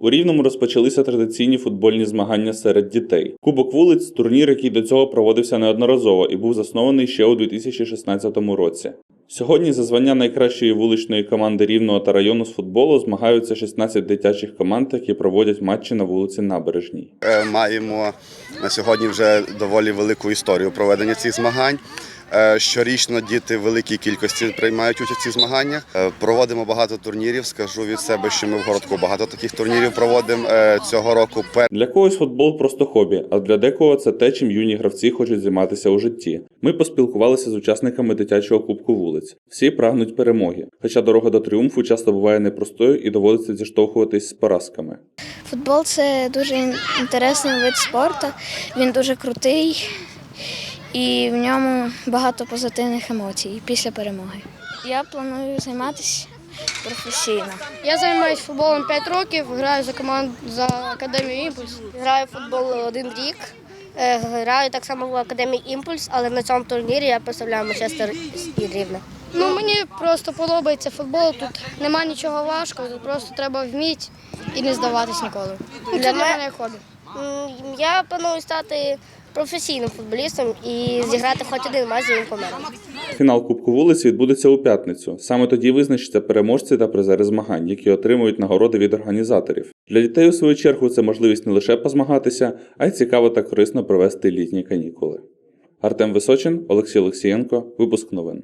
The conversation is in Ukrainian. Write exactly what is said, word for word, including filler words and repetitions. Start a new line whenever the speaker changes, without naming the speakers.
У Рівному розпочалися традиційні футбольні змагання серед дітей. Кубок вулиць – турнір, який до цього проводився неодноразово і був заснований ще у дві тисячі шістнадцятому році. Сьогодні за звання найкращої вуличної команди Рівного та району з футболу змагаються шістнадцять дитячих команд, які проводять матчі на вулиці Набережній.
Маємо на сьогодні вже доволі велику історію проведення цих змагань. Щорічно діти в великій кількості приймають участь у цих змаганнях. Проводимо багато турнірів. Скажу від себе, що ми в городку багато таких турнірів проводимо цього року.
Для когось футбол – просто хобі, а для декого це те, чим юні гравці хочуть займатися у житті. Ми поспілкувалися з учасниками дитячого кубку вулиць. Всі прагнуть перемоги, хоча дорога до тріумфу часто буває непростою і доводиться зіштовхуватись з поразками.
Футбол – це дуже інтересний вид спорту, він дуже крутий. І в ньому багато позитивних емоцій після перемоги. Я планую займатися професійно.
Я займаюся футболом п'ять років, граю за команду за Академію «Імпульс».
Граю в футбол один рік, граю так само в Академії «Імпульс», але на цьому турнірі я представляю Манчестер і Рівне.
Ну, мені просто подобається футбол, тут немає нічого важкого, тут просто треба вміти і не здаватись ніколи. Це для мене хобі.
Я планую стати професійним футболістом і зіграти хоч один матч за Інкомером.
Фінал Кубку вулиць відбудеться у п'ятницю. Саме тоді визначаться переможці та призери змагань, які отримують нагороди від організаторів. Для дітей, у свою чергу, це можливість не лише позмагатися, а й цікаво та корисно провести літні канікули. Артем Височин, Олексій Олексієнко. Випуск новин.